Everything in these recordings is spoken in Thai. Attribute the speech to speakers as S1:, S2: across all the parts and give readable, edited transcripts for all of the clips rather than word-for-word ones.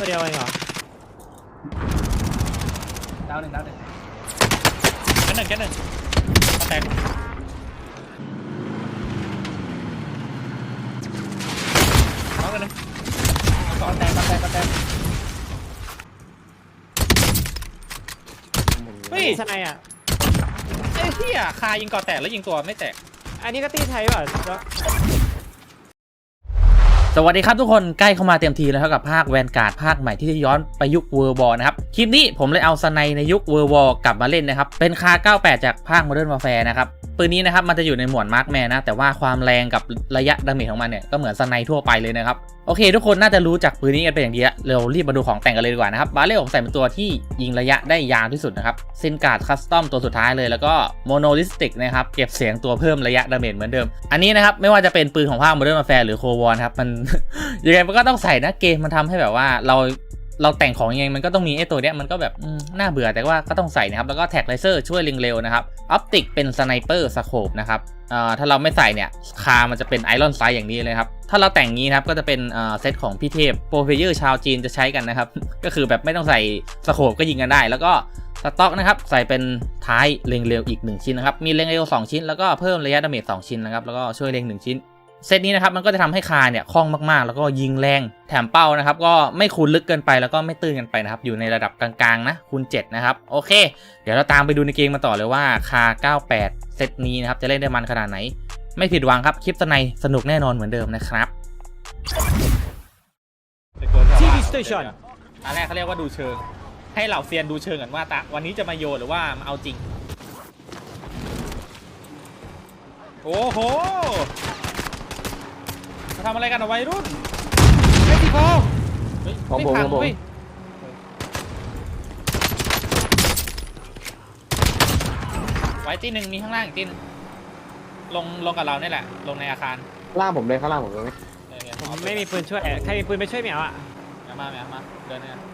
S1: เดียวเองเหรอ
S2: ดาวหนึ่ง
S3: แค่หนึ่งมาแตกน้องกันเลย
S2: ก่อนแตก
S3: เฮ้ย
S1: สไนอ่ะ
S3: ไอ้เหี้ยคายิงก่อแตกแล้วยิงตัวไม่แตก
S1: อันนี้ก็ตีไทยป่ะ
S4: สวัสดีครับทุกคนใกล้เข้ามาเต็มทีแล้วกับภาคแวนการ์ดภาคใหม่ที่จะย้อนไปยุคเวอร์บอลนะครับคลิปนี้ผมเลยเอาสไนในยุคเวอร์บอลกลับมาเล่นนะครับเป็นคา98จากภาค Modern Warfare นะครับปืนนี้นะครับมันจะอยู่ในหมวดมาร์คแมนนะแต่ว่าความแรงกับระยะดาเมจของมันเนี่ยก็เหมือนสไนทั่วไปเลยนะครับโอเคทุกคนน่าจะรู้จักปืนนี้กันเป็นอย่างดีแล้วเรารีบมาดูของแต่งกันเลยดีกว่านะครับบาเรลผมใส่เป็นตัวที่ยิงระยะได้ยาวที่สุดนะครับเซนการ์ดคัสตอมตัวสุดท้ายเลยแล้วก็โมโนลิสติกนะครับเก็บเสียงตัวเพิ่มระยะดาเมจเหมือนเดิมอันนี้นะครับไม่ว่าจะเป็นปืนของภาค Modern Warfare หรือโควอนครับมัน ยังไงมันก็ต้องใส่นะเกมมันทำให้แบบว่าเราแต่งของยังไงมันก็ต้องมีไอ้ตัวเนี้ยมันก็แบบน่าเบื่อแต่ว่าก็ต้องใส่นะครับแล้วก็แท็กไลเซอร์ช่วยเล็งเร็วนะครับออปติกเป็นสไนเปอร์สโคปนะครับถ้าเราไม่ใส่เนี่ยคามันจะเป็นไอรอนไซด์อย่างนี้เลยครับถ้าเราแต่งงี้นะครับก็จะเป็นเซตของพี่เทพโปรเพเยอร์ชาวจีนจะใช้กันนะครับก็คือแบบไม่ต้องใส่สโคปก็ยิงกันได้แล้วก็สต็อกนะครับใส่เป็นท้ายเล็งเร็วอีก1ชิ้นนะครับมีเล็งเร็ว2ชิ้นแล้วก็เพิ่มระยะดาเมจ2ชิ้นนะครับแล้วก็ช่วยเล็ง1ชิ้นเซตนี้นะครับมันก็จะทำให้คาเนี่ยคล่องมากๆแล้วก็ยิงแรงแถมเป้านะครับก็ไม่คูณลึกเกินไปแล้วก็ไม่ตื้นกันไปนะครับอยู่ในระดับกลางๆนะคูณ7นะครับโอเคเดี๋ยวเราตามไปดูในเกมมาต่อเลยว่าคา98เซตนี้นะครับจะเล่นได้มันขนาดไหนไม่ผิดหวังครับคลิปสไนสนุกแน่นอนเหมือนเดิมนะครับ
S1: ที่ดิสเทชัน
S3: อันแรกเขาเรียกว่าดูเชิงให้เหล่าเซียนดูเชิงกันว่าวันนี้จะมาโยนหรือว่ามาเอาจริงโอ้โหมาทำอะไรกันเอาไว้รุ่นไม่ตีพอไม่พังเว้ยไว้ตีหนึ่งมีข้างล่างอีกตีนลงกับเราเนี่ยแหละลงในอาคาร
S2: ล่างผมเลยข้างล่างผมเลย
S1: ผมไม่มีปืนช่วยใครมีปืนไปช่วยเหมียวอ่ะ
S3: มาเดินเนี่ย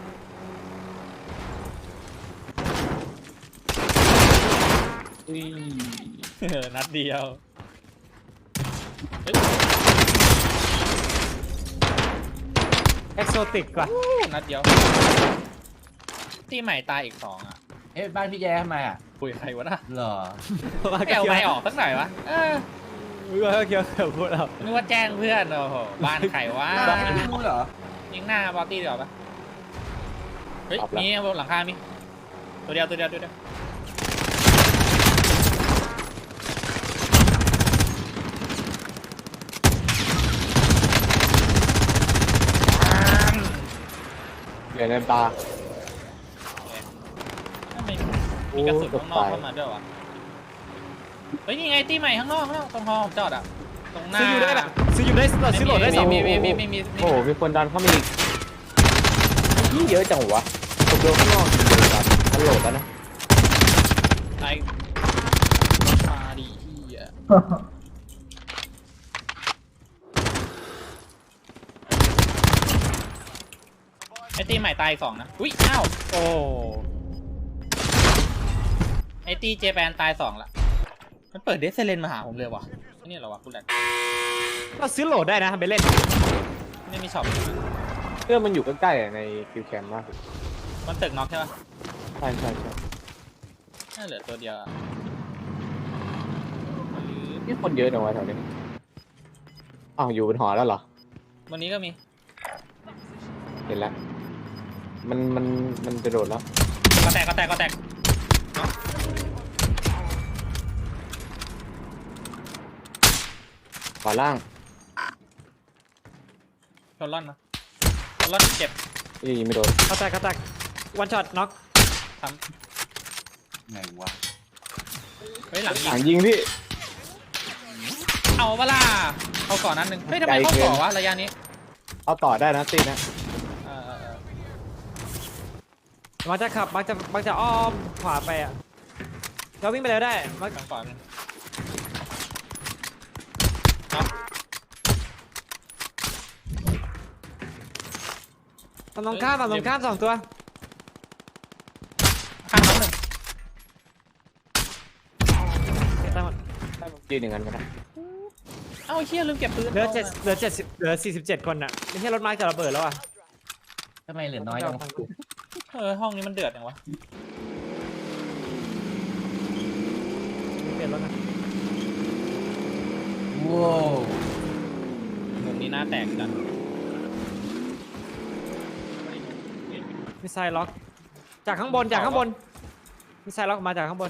S3: นัดเดียว
S1: เอ็กโซติกว่ะ
S3: นัดเดียวที่ใหม่ตายอีก2อ่ะ
S2: บ้านพี่แย่ทำไมอ่ะ
S3: คุยใครวะน่ะ
S2: เหรอ
S3: ไม่เอาไม่ออกสักหน่อยวะ
S1: มึงก็เกี่ยวกับพวกเรา
S3: นึกว่าแจ้งเพื่อนโอ้โหบ้านใครวะ
S2: ไม่รู้เหรอ
S3: ยิงหน้าบอตตี้ดีกว่าปะเฮ้ยมีบนหลังคามีตัวเดียว
S2: เหลือในตา
S3: มีกระสุนข้างนอกเข้ามาด้วยวะเฮ้ยนี่ไงตีใหม่ข้างนอกตรงฮอผมจอดอ่ะตรงหน้า
S1: ซื้ออยู่ได้ซื้อโหลดได้2
S3: มี
S2: โอ้โหมีคนดันเข้ามาอีกนี่เยอะจังวะผมโดนข้างนอกมันโหลดแล้วนะ
S3: ไอ้มาดีที่อ่ะไอตีใหม่ตาย2นะอุ้ยอ้าวโอ้ไอตีเจแปนตาย2ละมันเปิดเดซเซเลนมาหาผมเลยวะนี่เหรอวะคุณแหละ
S1: ก็ซื้อโหลดได้นะไปเล่น
S3: ไม่มีช็อป
S2: เพื่อมันอยู่ใกล้ๆในคิวแคมป์มาก
S3: มันตึกน็อกใช่ปะ
S2: ใช่
S3: น่าเหลือตัวเดียว
S2: นี่คนเยอะจังวะแถวนี้อ้าวอยู่บนหอแล้วเหรอ
S3: วันนี้ก็มี
S2: เห็นแล้วมันจะโดดแล้ว
S3: ก็แตก
S2: ขวาล่าง
S3: ชนล่อนเจ็บ
S2: ยิงไม่โดน
S1: เขาแตกวันช็อตน็อก
S3: ทำไงวะเฮ้ยหลัง
S2: ยิงพี่
S3: เอาเวลาเอาก่อนนั้นหนึ่งเฮ้ยทำไมเขาก่อวะระยะนี้
S2: เอาต่อได้นะตีนะ
S1: มักจะขับมักจะอ้อมขวาไปอ่ะเราวิ่งไปแล้วได้มัก
S3: ทางก่อน
S1: ฝั่งตรงข้าม2ตัวข้างน้อง1
S2: ยืนอย่างนั้นก็ได้
S3: เอ้าเชี่ยลืมเก็บปืน
S1: เหลือ47คนอ่ะไม่ใช่รถไม้จะระเบิดแล้วอ่ะ
S4: ทำไมเหลือน้อยจังวะ
S3: ห้องนี้มันเดือดจังวะ
S1: เปลี่ยนรถนะ
S4: ว้าว
S3: มุมนี้หน้าแตกจัง
S1: มิสไซล์ล็อกจากข้างบนมิสไซล์ล็อกมาจากข้างบน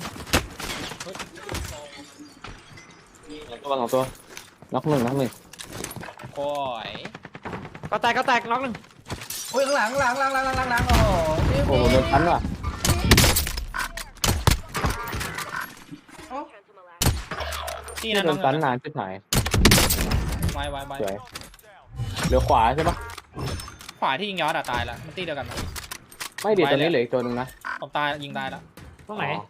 S2: สองตัวน็อกหนึ่ง
S3: โอ้ย
S1: ก็แตกน็อกหนึ่ง
S4: โอ้ยข้างหลังโอ้โห
S2: โอ้โหโดนพันว่ะ
S3: ที่
S2: โด
S3: นั่นน้อน ง
S2: พันนานชิบหาย
S3: ไว้
S2: สวยเหลือขวาใช่ปะ
S3: ขวาที่ยิงยอดอะตายแล้วมันตีเดียวกันนะ
S2: ไม่เดี๋ยวตัวนี้เหลืออีกตัวหนึงนะ
S3: ผมตายยิงตายแล้ว
S1: ตรงไหน
S2: อ๋อ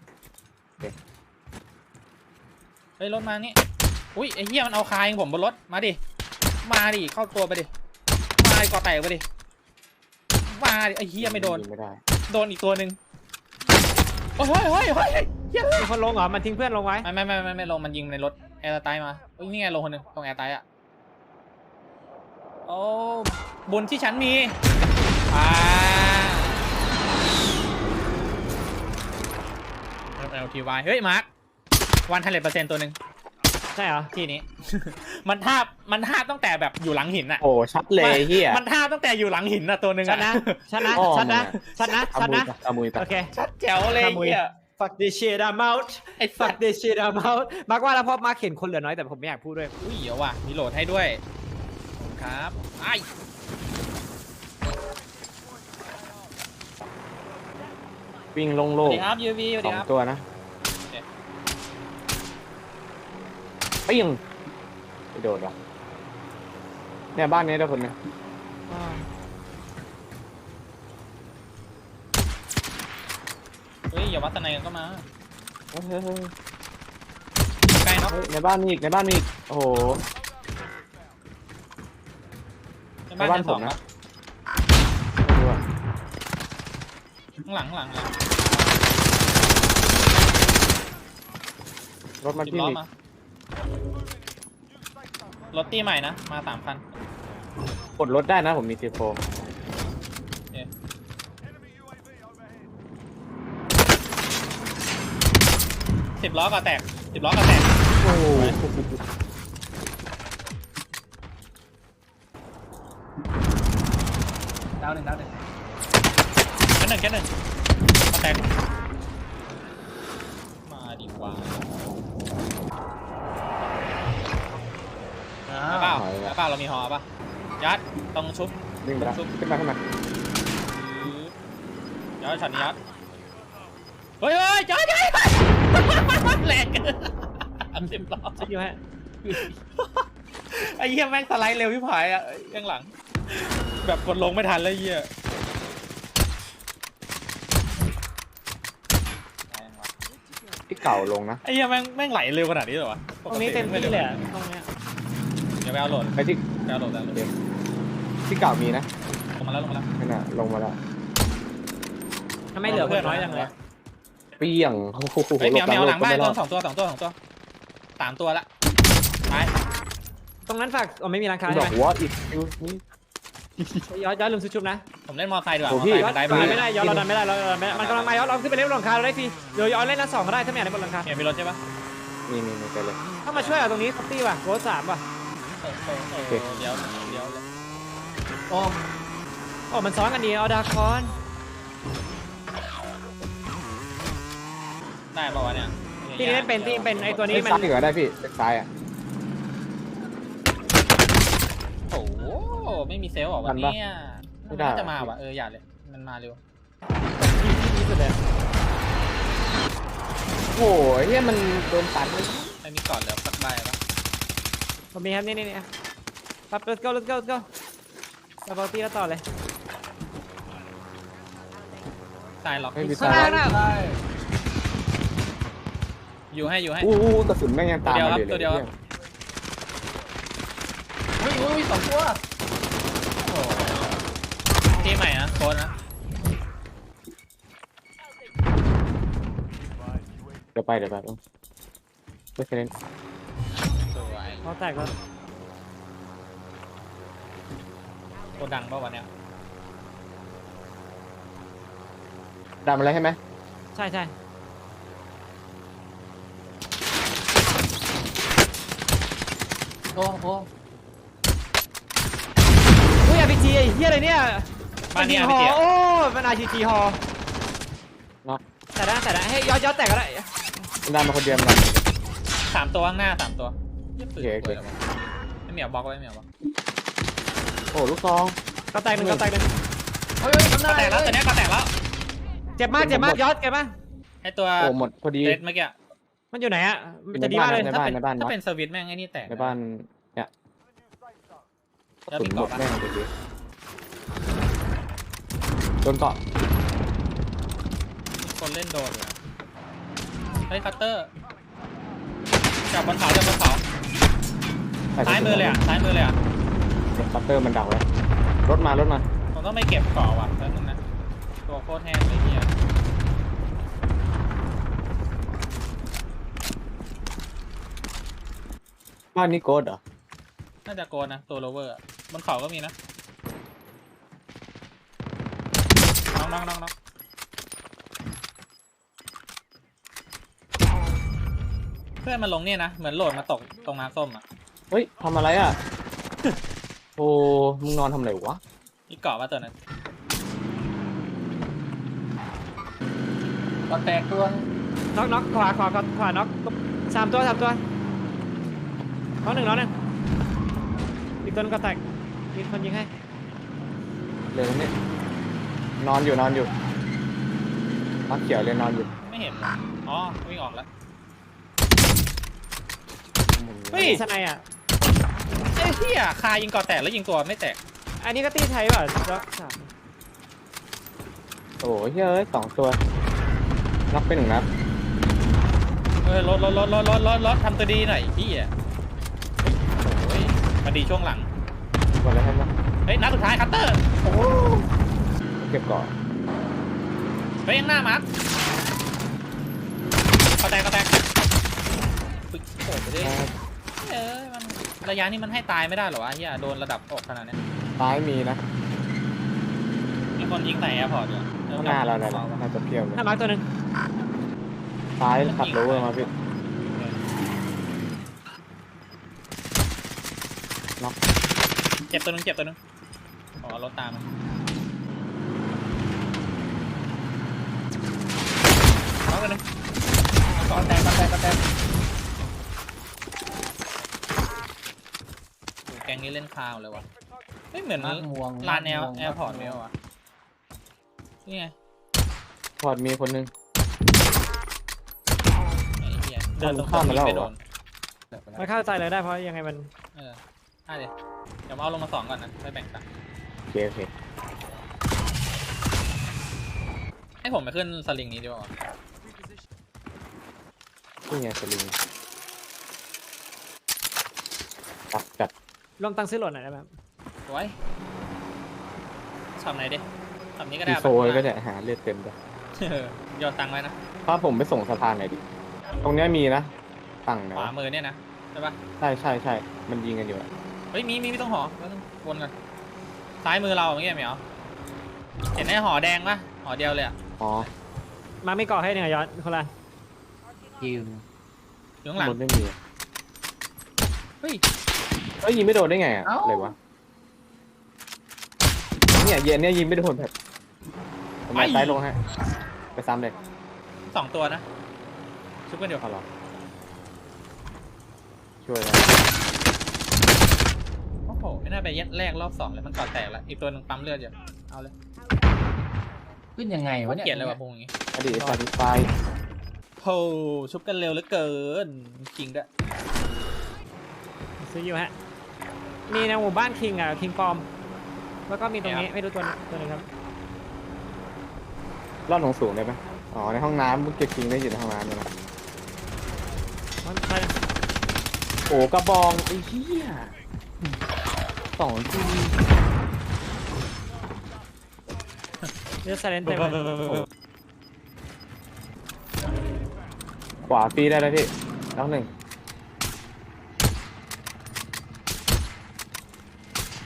S3: เฮ้ยรถมานี่อุ้ยไอ้เหี้ยมันเอาคายิงผมบนรถมาดิเข้าตัวไปดิมาดิก่อแตกไปดิมาดิไอ้เหี้ยไม่โดน
S2: ยิงไม่ได้
S3: โดนอีกตัวหนึ่งโอ้ยเหี้ย
S1: มีคนลงเหรอมันทิ้งเพื่อนลงไว้
S3: ไม่ลงมันยิงในรถแอร์ไตมาเฮ้ยนี่ไงลงคนหนึ่งตรงแอร์ไตอะโอ้บุญที่ฉันมีLTY เฮ้ยมาร์ค100%ตัวหนึ่ง
S1: ใช่เหรอ
S3: ที่นี้ มันทาบตั้งแต่แบบอยู่หลังหินอะ
S2: โอ้ชัดเลยเฮีย
S3: มันทาบตั้งแต่อยู่หลังหินอะตัวหนึ่ง
S1: ชั
S3: อะ
S1: ดนะชัดนะ
S2: อ้อ
S1: ชัดนะ
S2: มึงอะ
S1: ชัดนะ
S2: เอา
S1: ชัด
S2: มือ
S1: นะ
S2: เอามือไป
S1: โอเค
S3: ชัดแจ๋วเลย
S1: ขโมย
S3: เหี้ย
S1: fuck this shit I'm out
S3: ไอ้สั
S1: fuck
S3: ตว์
S1: this shit I'm out มาร์กว่าแล้วพอมาร์กเห็นคนเหลือน้อยแต่ผมไม่อยากพูดด้วย
S3: อุ้ยเดี๋ยวว่ะมีโหลดให้ด้วยขอบคุณครับไอ้
S2: วิ่งโ
S3: ส
S2: ล่
S3: วัส
S2: ง
S3: ดีครับยูวีสวัส
S2: ๆส
S3: ดี
S2: อง
S3: ครับ
S2: ตัวนะ
S3: โอเค
S2: เปี้ยงไปโดดว่ะเนี่ยบ้านนี้ได้คนนึง
S3: เฮ้ยอย่าวัดตะไนกันก็มา
S2: เฮ้ย
S3: ใกล้เนาะ
S2: ในบ้านมีอีกโอ้โห
S3: ในบ้าน
S2: ในบ้าน
S3: ชั้นสอง
S2: ผมนะ
S3: ปะข้างหลัง
S2: รถมัน
S3: 10
S2: ที่
S3: ล้อ
S2: มี
S3: มารถตีใหม่นะมา3 คัน
S2: กดรถได้นะผมมีทีโฟ
S3: 10 ล้อก็แตก10 ล้อก็แตก
S2: โอ้โห
S4: ดาวหนึ่ง
S3: แค่หนึ่งก็แตกมาดีกว่าเอาเปล่าเรามีหอป่ะยัดต้องชุบ
S2: วิ่งไปแล้วขึ้นมา
S3: ยัดช็อตนี้ยัดเฮ้ยยัดแหลก10 ล้อ
S1: จะอยู่ฮะ
S3: ไอ้เหี้ยแม่งสไลด์เร็วพี่ผายอ่ะข้างหลังแบบกดลงไม่ทันเลยเหี้ย
S2: ที่เก่าลงนะ
S3: ไอ้เหี้ยแม่งไหลเร็วขนาดนี้เหรอวะ
S1: ตรงนี้เต็มที่เลยอะตรงเนี้ย
S3: เดี๋ยวไปเอาโหลด
S2: ไปที่
S3: ไปเอาโหลดแล้ว
S2: ที่เก่ามีนะ
S3: ลงมาแล้ว
S2: นั่นน่ะลงมาแล้ว
S1: ทำไมเหลือคนน้อยจังเลย
S2: เปี้ยงโอ้โห
S3: เฮ้ยเหมียวหลังบ้าน
S2: ไม่ร
S3: ตั
S2: อ
S3: ว
S2: ด
S3: 2 ตัว3 ตัวละไป
S1: ตรงนั้นฝากไม่มีร้านค้า
S2: บ
S1: ใช่
S2: อก
S1: ไหม
S2: ว่าอีกนี่
S1: ย้อนลืมซื้อชุบนะ
S3: ผมเล่นมอไซค์ดีกว่า
S2: โอ้
S3: มอ
S2: พี่
S3: ไซค์
S1: ย้อน
S3: มันได้
S1: เรา
S3: บ้าน
S1: ไม่ได้ย้อนเราดันไม่ได้มันกำลังมาย้อนเราขึ้นไปเล่นบนหลังคาเราได้ฟรีเดี๋ยวย้อนเล่นนัด2ก็ได้ถ้าไม่อยากเล่นบนหลังคา
S3: เหมียวมีรถใช่ปะ
S2: มีไปเลย
S1: ต้องมาช่วยเอาตรงนี้คัตตี้ว่ะโรส3ว่ะ
S3: เดี๋ยว
S1: โอ้มันซ้อนกันดีเอาดาคอน
S3: ได้ป่าวะเนี่ย
S1: ที่นี่เล่นเป็นไอตัวนี้
S2: นี้
S1: มั
S2: ซ้าน ยดีกว่าได้พี่ซ้ายอ่ะ
S3: โอ้โหไม่มีเซลล์หรอวันนี้น่าจะมาว่ะอย่าเลยมันมาเร็ว
S1: ที่สุดเลย
S2: โอ้ยเฮียมันโดนตันเลย
S3: ไม่มีก่อนแล้วสักใบปะ
S1: ผมมีครับนี่ครับ let's goเราบอลตี้แล้วต่อเลย
S3: ตายหรอก
S2: ไม่มี
S1: ข้าง
S2: ตา
S1: ล่างนะ
S3: อยู่ให้
S2: อู้กระสุนแม่งยังตามมาเลย
S3: ตัวเดียว อุ้ย2 ตัวทีใหม่นะโค้ดนะ
S2: เดี๋ยวไปไม่เคยเล่น
S3: สวย
S1: เขาแตกแล้ว
S3: โคดังป่ะวันเนี้ย
S2: ดำอะไรใช่ไหม
S1: ใช่ใช่โอ้โหอุ้ยอาร์พีจีไอ้เหี้ยอะไรเนี่ย
S3: บ้านนี้
S1: ฮ
S3: RPG
S1: โอ้มันอาร์พีจีฮอ
S2: เนาะ
S1: แต่ได้ให้ย้อนแตกก็ได้
S2: ดำมาคนเดียวมัน
S3: 3 ตัวข้างหน้า3 ตัวเยี่ยปืน
S2: โอเค
S3: ป่วยแล้ววะไม่เหมียวบล็อกไว้ไม่เหมียวบล็อก
S2: โอ้ลูกซอง
S1: ก็แตกหนึ่งเฮ้ยทำ
S3: ก็
S1: ได้
S3: แตกแล้วตัวเนี้ยก็แตกแล้ว
S1: เจ็บมากย้อนเจ็บมาก
S3: ไอตัว
S2: โอ้หมดพอดี
S3: เรดเมื่อกี้
S1: มันอยู่ไหนอะมันจะดีมากเลย
S2: ใน
S1: ถ้า
S2: บ้าน
S1: เป็น
S2: ในบ้าน
S3: ถ้า
S2: เนาะ
S3: เป็นสวิตช์แม่งไอ้นี่แตก
S2: ในบ้านเนี่ย
S3: แล้ว
S2: สุ
S3: มี
S2: นหม
S3: เกาะ
S2: ด
S3: ปะ
S2: แม่งไปดิโดนเกาะ
S3: มีคนเล่นโดนอยู่นะเฮ้ยคัตเตอร์จับบนเขาซ้ายมือเลยอ่ะ
S2: คัตเตอร์มันดักไว้รถมารถมา
S3: ผมต้องไม่เก็บเกาะว่ะแป๊บนึงนะตัวโคตรแห้งเลยเฮีย
S2: บ้านนี้โกดเหรอ
S3: น่าจะโกนนะตัวโลเวอร์อะบนเขาก็มีนะน้องเพื่อนมันลงเนี่ยนะเหมือนโหลดมาตกตรงน้ำส้มอ่ะ
S2: เฮ้ยทำอะไรอ่ะ โอ้มึงนอนทำอะไรวะ
S3: อีกเกาะมาตัวนั้น
S4: ก็แตกตัว
S1: น็อกขวาน็อกสามตัวน็อกหนึ่งอีกตัวนึงก็แตกมีคนยิงให้
S2: เร็วนี่นอนอยู่มักเขียวเลยนอนอยู่
S3: ไม่เห็นว่ะอ๋อวิ่งออกแล้ว เฮ้
S1: เฮ้
S3: ย
S1: ยสไนอ่ะ
S3: เอ้ยเฮียคายิงเกาะแตกแล้วยิงตัวไม่แตก
S1: อันนี้ก็ตีไทยป่ะล็อกสาม
S2: โอ้ยเฮ้ย2 ตัวน็อกไป1 นัด
S3: รถทำตัวดีหน่อยพี่อ่ะโอ้ยมาดีช่วงหลัง
S2: หมดแล้วใช่ไหม
S3: เฮ้ยนัดสุดท้ายคัตเตอร์โอ้โห
S2: เก็บเกาะ
S3: เฮ้ยยังหน้ามาร์คก็แตกปึ๊กโผล่ไปดิมันระยะนี้มันให้ตายไม่ได้หรอวะเฮียโดนระดับอกขนาดนี้
S2: ซ้ายมีนะ
S3: มีคนยิงใส่แอร์พอร์ตอยู่
S2: ข้างหน้าเราเนี่ยน่าจะเพียบเลย
S1: หน้ามาร์คตัวหนึ่ง
S2: ซ้ายขับโรเวอร์มาพี่
S3: เจ็บตัวนึงอ๋อรถตามมาเอากันเลยก็แตกแกงนี้เล่นคาวเลยวะไม่เหมือนลานแอร์พอร์ตไม่เหรอวะนี่ไง
S2: พอร์ตมีคนนึง
S3: ไอ้เหี้ยเดินตรงๆไม่โดน
S1: มันเข้าใจเลยได้เพราะยังไงมัน
S3: ได้เลยเดี๋ยวเอาลงมา2ก่อนนะไม่แบ่งกัน
S2: โอเค
S3: ให้ผมไปขึ้นสลิงนี้ดีกว่า
S2: นี่ไงสลิงจัด
S1: รวมตังค์ซื้อโหลดหน่อยได้ไหมครับ
S3: สวยช็อปไหนดิช็อปนี้ก็ได้
S2: ดีโซยก็จะหาเลือดเต็มเลย
S3: โยนตังค์ไว้นะ
S2: ถ้าผมไปส่งสะพานไหนอยดิตรงเนี้ยมีนะตังค์นะ
S3: ขวามือเนี่ยนะใช่ปะ
S2: ใช่มันยิงกันอยู่อะ
S3: เฮ้ยมีต้องหอวนกันซ้ายมือเราอย่างเงี้ยเหมียวเห็นไอ้หอแดงปะหอเดียวเลยอะ
S2: อ๋อ
S1: มาไม่ก่อให้เนี่ยย้อนคนละ
S3: อยู่ข้างหลัง
S2: รถไม่มี
S3: เฮ้ย
S2: ยิงไม่โดนได้ไงอะอะไรวะเนี่ยเย็นเนี่ยยิงไม่โดนแบบทำไมซ้ายลงให้ไปซ้ำเลย
S3: 2 ตัวนะชุบกันเดียว
S2: เอาหรอช่วยนะ
S3: โอ้โหไม่น่าไปแยกแรกรอบ2เลยมันก่อแตกแล้วอีกตัวนึงปั๊มเลือดอยู่เอาเลย
S4: ขึ้นยังไงวะเนี่ย
S3: เกลียดเลยว่ะพวกนี้
S2: อดีตซาดิไฟ
S3: โหชุบกันเร็วเหลือเกินจริงด้วย
S1: ซื้ออยู่ฮะมีในหมู่บ้านคิงอ่ะคิงปอมแล้วก็มีตรงนี้ไม่รู้ตัวนึงครับ
S2: รอดลงสูงได้ไหมอ๋อในห้องน้ำเก็บจริงได้อยู่ในห้องน้ำเลยนะ
S1: มันใช่
S2: โอ้กระบองไอ้เหี้ย2 ที
S1: เลือดไซเลนเต็มเลย
S2: ขวาฟรีได้เลยพี่น้อง 1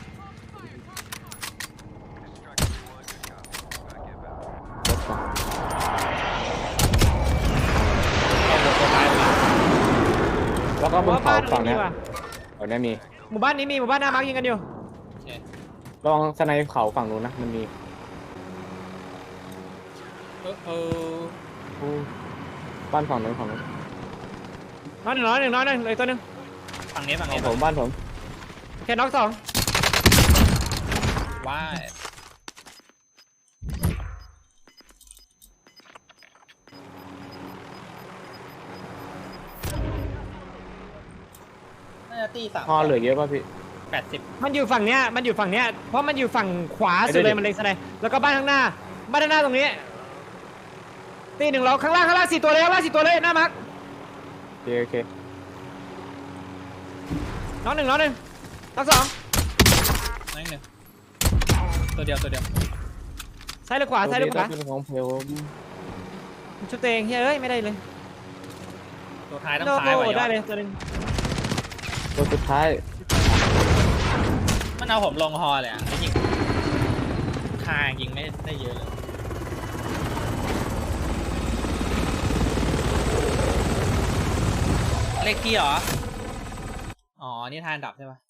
S2: รถก่อนฝั่ง
S1: นี้
S2: เนี้ย
S1: ว่ะ
S2: ฝั่งเนี้ยมี
S1: หมู่บ้านนี้มีหมู่บ้านหน้ามาร์กยิงกันอยู่
S3: โอเค
S2: ลองสไนเขาฝั่งนู้นนะมันมี อู้บ้านฝั่งนู้นฝั่งนู้น
S1: น้อยหนึ่งเลยตัวหนึ่ง
S3: ฝั่งนี้ฝั่ง
S2: ขอ
S3: นี้
S2: งผมบ้านผม
S1: โอเคน็อกสอง
S3: ว้ายน่าจะตี3
S2: พอเหลือเยอะป่ะพี่
S3: 80
S1: มันอยู่ฝั่งเนี้ยเพราะมันอยู่ฝั่งขวาสุดเลยมันเล็งสไนแล้วก็บ้านข้างหน้าตรงนี้ตีหนึ่งเราข้างล่าง4 ตัวเลยหน้ามาร์ก
S2: โอเค
S1: น็อกหนึ่งน็อกสอง
S3: นั่นหนึ่งตัวเดียว
S1: ซ้ายหรือขวา
S2: เป็นของเพล
S1: ชุดเตงเฮ้ยไม่ได้เลย
S3: ตัวท้ายต้อง
S1: โด
S3: ซ้าย
S1: โด
S3: ว่ะ
S1: ได้
S3: ยอด
S1: เลยตัวหนึง
S2: ตัวสุดท้าย
S3: มันเอาผมลงฮอเลยอ่ะยิงคายิงไม่ได้เยอะเลยเลขที่เหรอ อ๋อ นี่ทานดับใช่ปะ